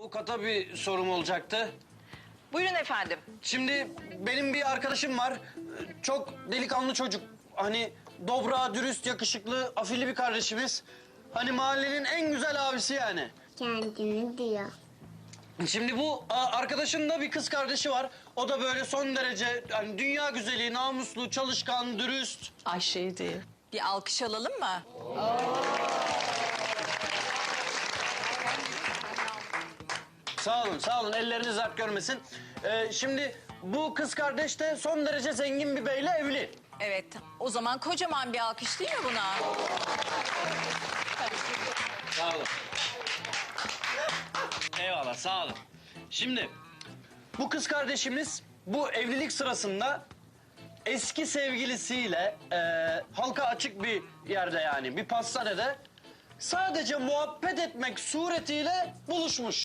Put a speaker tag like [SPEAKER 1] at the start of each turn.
[SPEAKER 1] avukata bir sorum olacaktı.
[SPEAKER 2] Buyurun efendim.
[SPEAKER 1] Şimdi benim bir arkadaşım var. Çok delikanlı çocuk. Hani dobra, dürüst, yakışıklı, afilli bir kardeşimiz. Hani mahallenin en güzel abisi yani.
[SPEAKER 3] Kendini diyor.
[SPEAKER 1] Şimdi bu arkadaşın da bir kız kardeşi var. O da böyle son derece hani dünya güzeli, namuslu, çalışkan, dürüst.
[SPEAKER 2] Ayşe'ydi. Bir alkış alalım mı?
[SPEAKER 1] Sağ olun, sağ olun. Elleriniz dert görmesin. Şimdi bu kız kardeş de son derece zengin bir beyle evli.
[SPEAKER 2] Evet. O zaman kocaman bir alkış değil mi buna?
[SPEAKER 1] Sağ olun. Eyvallah, sağ olun. Şimdi bu kız kardeşimiz bu evlilik sırasında eski sevgilisiyle halka açık bir yerde yani bir pastanede sadece muhabbet etmek suretiyle buluşmuş.